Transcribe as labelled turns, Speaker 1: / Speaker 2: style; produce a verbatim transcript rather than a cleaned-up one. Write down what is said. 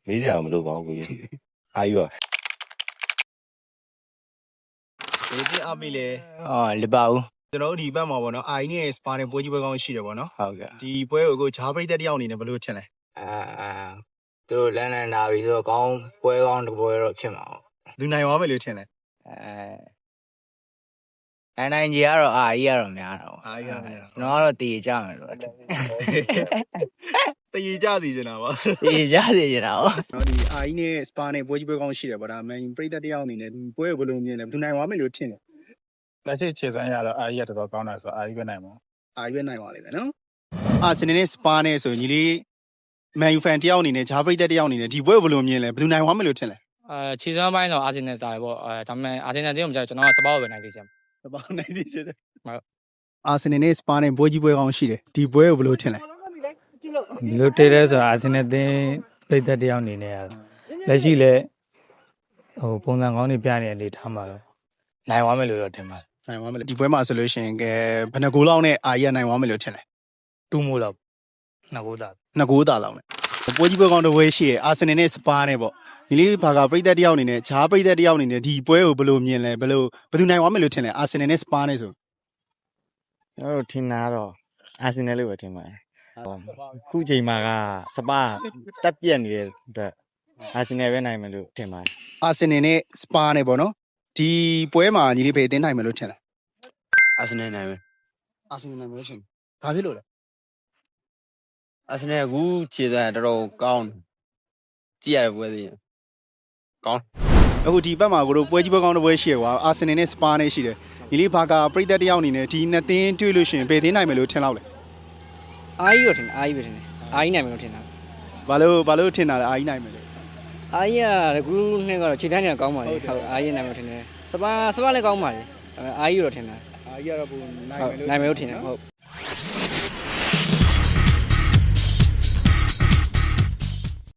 Speaker 1: မေးစရာမလိုပါဘူးကိုကြီးအာယူပါဒီပြအမိလေ
Speaker 2: အော်လပါဦး
Speaker 1: ကျွန်တော်တို့ဒီဘက်မှာပေါ့နော်အာအီနဲ့စပါနဲ့ပွဲကြီးပွဲကောင်းရှိတယ်ပေါ့နော်
Speaker 2: ဟုတ်ကဲ့
Speaker 1: ဒီပွဲကိုကိုဂျားပရိသတ်တယောက်အနေနဲ့ဘယ်လိုထင်လဲ
Speaker 2: အာသူတို့လန်လန်လာပြီဆိုတော့ကောင်းပွဲကောင်းတစ်ပွဲတော့ဖြစ်မှာပေါ့
Speaker 1: လူနိုင်သွားမယ်လို့ထင်လဲ
Speaker 2: အဲနိုင်နိုင်ကြီးကတော့အာကြီးကတော့များတော့
Speaker 1: အာကြီးကတော့များတော့
Speaker 2: ကျွန်တော်ကတော့တည်ကြမယ်လို့
Speaker 1: တည်ကြစီနေတာပါ
Speaker 2: တည်ကြစီနေတာဟုတ်
Speaker 1: နော်ဒီအာအီနဲ့စပါနဲ့ပွဲကြီးပွဲကောင်းရှိတယ်ပေါ့ဒါမန်ပရိသတ်တယောက်အနေနဲ့ဒီပွဲကိုဘယ်လိုမြင်လဲလူနိုင်သွားမယ်လို့ထင်တယ်
Speaker 3: လက်ရှိခြေစမ်းရတော့အာကြီးကတော်တော်ကောင်းတာဆိုတော့အာကြီးပဲနိုင်မှာ
Speaker 1: အာရွေးနိုင်ပါလိမ့်မယ်နော်အာစနေနဲ့စပါနဲ့ဆိုရင်ညီလေးမန်ယူဖန်တယောက်အနေနဲ့ဂျားပရိသတ်တယောက်အနေနဲ့ဒီပွဲကိုဘယ်လိုမြင်လဲဘယ်သူနိုင်သွားမယ်လို့ထင်လဲ
Speaker 4: အဲခြေစမ်းပိုင်းတော့အာဂျင်နယ်တာပဲပေါ့အဲဒါပေမဲ့အာဂျင်နယ်တင်းကိုမကြောက်ကျွန်တော်ကစပောက်ပဲနိုင်သေးချင်
Speaker 1: စပါနိုင်စီချင်တယ်
Speaker 4: ဟုတ်
Speaker 1: အာစနေနဲ့စပါနဲ့ပွဲကြီးပွဲကောင်းရှိတယ်ဒီပွဲကိုဘယ်လိုထင်လဲ
Speaker 3: ဒီလိုတေးတဲ့ဆိုတော့အာဂျင်နယ်တင်းပိတ်သက်တယောက်အနေနဲ့လက်ရှိလဲဟိုပုံစံကောင်းတွေပြနေတဲ့အနေထားမှာတော့နိုင်သွားမယ်လို့တော့ထင်ပါတယ်
Speaker 1: နိုင်သွားမယ်လေဒီပွဲမှာဆိုလို့ရှိရင်ကဲဘယ်နှဂိုးလောက်နဲ့အာရီကနိုင်သွားမယ်လို့ထင်လဲ
Speaker 3: တူးမို့လောက်နှစ်ကိုးသား
Speaker 1: နှစ်ဂိုးသားလောက်နဲ့ပွဲကြီးပွဲကောင်းတစ်ပွဲရှိတယ်အာစနေနဲ့စပါနဲ့ပေါ့ညီလေးဘာကပရိသတ်တယောက်အနေနဲ့ဂျားပရိသတ်တယောက်အနေနဲ့ဒီပွဲကိုဘယ်လိုမြင်လဲဘယ်လိုဘယ်သူနိုင်သွားမယ်လို့ထင်လဲအာစနေနဲ့စပါနဲ့ဆို
Speaker 5: ကျွန်တော်တို့ထင်တာတော့အာဆင်နယ်လို့ပဲထင်ပါတယ်ခုချိန်မှာကစပါတက်ပြက်နေတဲ့အတွက်အာဆင်နယ်ပဲနိုင်မယ်လို့ထင်ပါတယ်
Speaker 1: အာစနေနဲ့စပါနဲ့ပေါ့နော်ဒီပွဲမှာညီလေးဘယ်အသင်းနိုင်မယ်လို့ထင်လဲ
Speaker 6: အာဆင်နယ်နိုင်မယ်
Speaker 1: အာစနေနိုင်မယ်လို့ထင်ဘာဖြစ်လို့လဲ
Speaker 6: အာဆင်နယ်အခုခြေစမ်းတော်တော်ကောင်းကြည့်ရတဲ့ပွဲသေးရင်ကောင်း
Speaker 1: အခုဒီဘက်မှာကိုတို့ပွဲကြီးပွဲကောင်းတစ်ပွဲရှိရကွာအာဆင်နယ်နဲ့စပါနဲ့ရှိတယ်ညီလေးဘာကပရိသတ်တယောက်အနေနဲ့ဒီနှစ်သင်းတွေ့လို့ရှိရင်ဘယ်သင်းနိုင်မယ်လို့ထင်လောက်လဲ
Speaker 7: အာကြီးတော့ထင်အာကြီးပဲထင်တယ်အာကြီးနိုင်မယ်လို့ထင်တာ
Speaker 1: ဘာလို့ဘာလို့ထင်တာလဲအာကြီးနိုင်မယ်လို့
Speaker 7: အာကြီးကကူနှစ်ကတော့ခြေတန်းတွေကကောင်းပါလေဟုတ်အာကြီးနိုင်မယ်လို့ထင်တယ်စပါစပါလည်းကောင်းပါလေအာကြီးတော့ထင်တာ
Speaker 1: အာကြီးကတော့ပုံနိုင်
Speaker 7: ဟုတ်
Speaker 1: မယ်လို့
Speaker 7: နိုင်မယ်လို့ထင်တယ်ဟုတ်